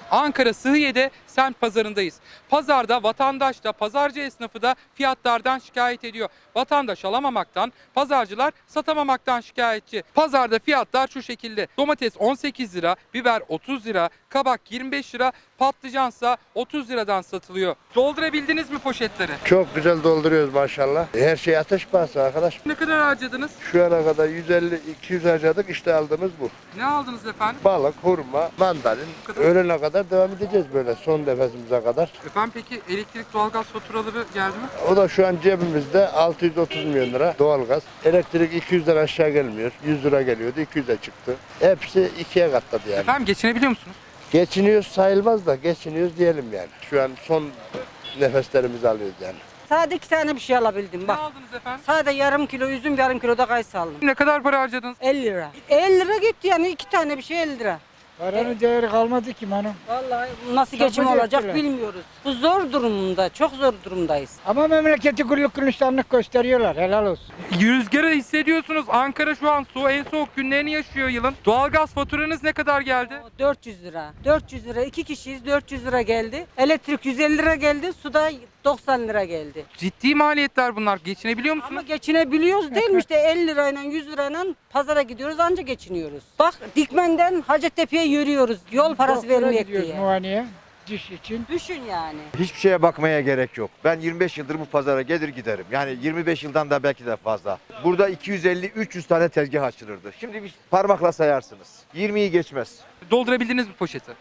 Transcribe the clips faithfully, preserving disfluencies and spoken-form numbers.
Ankara Sıhhiye'de semt pazarındayız. Pazarda vatandaş da pazarcı esnafı da fiyatlardan şikayet ediyor. Vatandaş alamamaktan, pazarcılar satamamaktan şikayetçi. Pazarda fiyatlar şu şekilde. Domates on sekiz lira, biber otuz lira, kabak yirmi beş lira, patlıcansa otuz liradan satılıyor. Doldurabildiniz mi poşetleri? Çok güzel dolduruyoruz maşallah. Her şey ateş pahası arkadaş. Ne kadar harcadınız? Şu ana kadar yüz elli iki yüz harcadık, işte aldığımız bu. Ne aldınız efendim? Balık, hurma, mandalin. kadar. Öğlene kadar devam edeceğiz böyle son nefesimize kadar. Efendim peki elektrik doğalgaz faturaları geldi mi? O da şu an cebimizde altı yüz otuz milyon lira doğalgaz. Elektrik iki yüzden aşağı gelmiyor. yüz lira geliyordu, iki yüze çıktı. Hepsi ikiye katladı yani. Efendim geçinebiliyor musunuz? Geçiniyoruz sayılmaz da geçiniyoruz diyelim yani. Şu an son nefeslerimizi alıyoruz yani. Sadece iki tane bir şey alabildim Ne bak. aldınız efendim? Sadece yarım kilo üzüm, yarım kilo da kayısı aldım. Ne kadar para harcadınız? elli lira. elli lira gitti yani iki tane bir şey elli lira. Paranın değeri kalmadı ki hanım. Vallahi nasıl Çok geçim acı olacak ettiler. bilmiyoruz. Bu zor durumda, çok zor durumdayız. Ama memleketi güllük gülistanlık gösteriyorlar. Helal olsun. Rüzgarı hissediyorsunuz. Ankara şu an soğuk, en soğuk günlerini yaşıyor yılın. Doğalgaz faturanız ne kadar geldi? dört yüz lira. dört yüz lira, iki kişiyiz dört yüz lira geldi. Elektrik yüz elli lira geldi, suda doksan lira geldi. Ciddi maliyetler bunlar. Geçinebiliyor musunuz? Ama geçinebiliyoruz değil mi? İşte elli lirayla yüz lirayla pazara gidiyoruz anca geçiniyoruz. Bak Dikmen'den Hacettepe'ye yürüyoruz yol parası Doktora vermeyek gidiyoruz diye. muayeneye. Diş için. Düşün yani. Hiçbir şeye bakmaya gerek yok. Ben yirmi beş yıldır bu pazara gelir giderim. Yani yirmi beş yıldan da belki de fazla. Burada iki yüz elli üç yüz tane tezgah açılırdı. Şimdi bir parmakla sayarsınız. yirmiyi geçmez. Doldurabildiniz mi poşeti?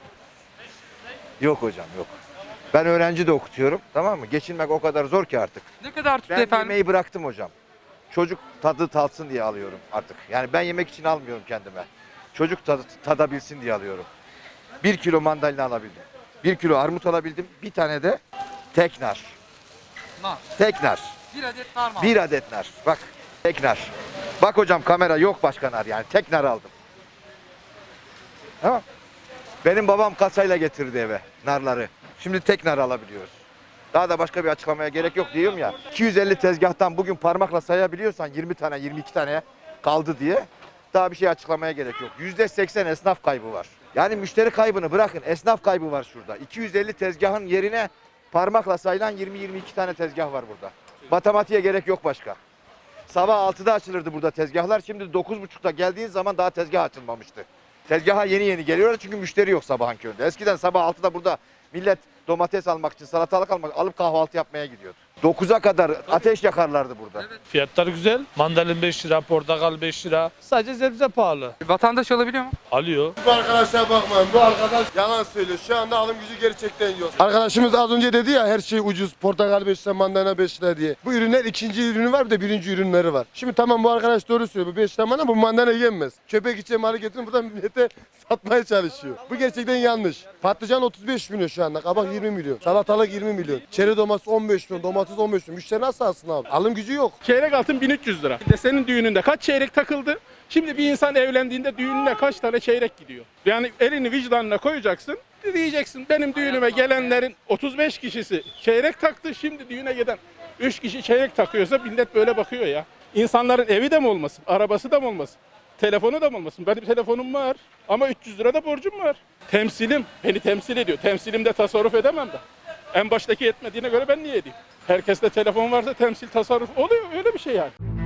Yok hocam yok. Ben öğrenci de okutuyorum, tamam mı? Geçinmek o kadar zor ki artık. Ne kadar tuttu Ben efendim? yemeği bıraktım hocam. Çocuk tadı tatsın diye alıyorum artık. Yani ben yemek için almıyorum kendime. Çocuk tadı tadabilsin diye alıyorum. Bir kilo mandalina alabildim. Bir kilo armut alabildim. Bir tane de teknar. Nar. Teknar. Bir adet nar mı? Bir adet nar. Bak teknar. Bak hocam kamera yok başka nar yani. Teknar aldım. Tamam. Benim babam kasayla getirdi eve narları. Şimdi teknar alabiliyoruz. Daha da başka bir açıklamaya gerek yok diyorum ya. iki yüz elli tezgahtan bugün parmakla sayabiliyorsan yirmi tane yirmi iki tane kaldı diye daha bir şey açıklamaya gerek yok. yüzde seksen esnaf kaybı var. Yani müşteri kaybını bırakın, esnaf kaybı var şurada. iki yüz elli tezgahın yerine parmakla sayılan yirmi yirmi iki tane tezgah var burada. Matematiğe gerek yok başka. Sabah altıda açılırdı burada tezgahlar. Şimdi dokuz buçukta geldiğin zaman daha tezgah açılmamıştı. Tezgaha yeni yeni geliyorlar çünkü müşteri yok sabahın köründe. Eskiden sabah altıda burada millet domates almak için, salatalık almak alıp kahvaltı yapmaya gidiyordu. dokuza kadar ateş yakarlardı burada. Fiyatlar güzel. Mandalin beş lira, portakal beş lira. Sadece sebze pahalı. Vatandaş alabiliyor mu? Alıyor. Bu arkadaşlara bakmayın. Bu arkadaş yalan söylüyor. Şu anda alım gücü gerçekten yok. Arkadaşımız az önce dedi ya her şey ucuz. Portakal beş lira, mandalina beş lira diye. Bu ürünler ikinci ürünü var bir de birinci ürünleri var. Şimdi tamam bu arkadaş doğru söylüyor. Bu beş lira mandalina bu mandalina yenmez. Köpek içe malı getirin buradan millete satmaya çalışıyor. Bu gerçekten yanlış. Patlıcan otuz beş milyon şu anda. Kabak yirmi milyon. Salatalık yirmi milyon. Çeri domates on beş milyon. Domates on beş milyon. Müşteri nasıl alsın abi? Alım gücü yok. Çeyrek altın bin üç yüz lira. Bir de senin düğününde kaç çeyrek takıldı? Şimdi bir insan evlendiğinde düğününe kaç tane çeyrek gidiyor? Yani elini vicdanına koyacaksın. Diyeceksin benim düğünüme gelenlerin otuz beş kişisi çeyrek taktı. Şimdi düğüne giden üç kişi çeyrek takıyorsa millet böyle bakıyor ya. İnsanların evi de mi olmasın? Arabası da mı olmasın? Telefonu da mı olmasın? Benim telefonum var ama üç yüz lira da borcum var. Temsilim beni temsil ediyor. Temsilimde tasarruf edemem de. En baştaki yetmediğine göre ben niye edeyim? Herkeste telefon varsa temsil tasarruf oluyor öyle bir şey yani.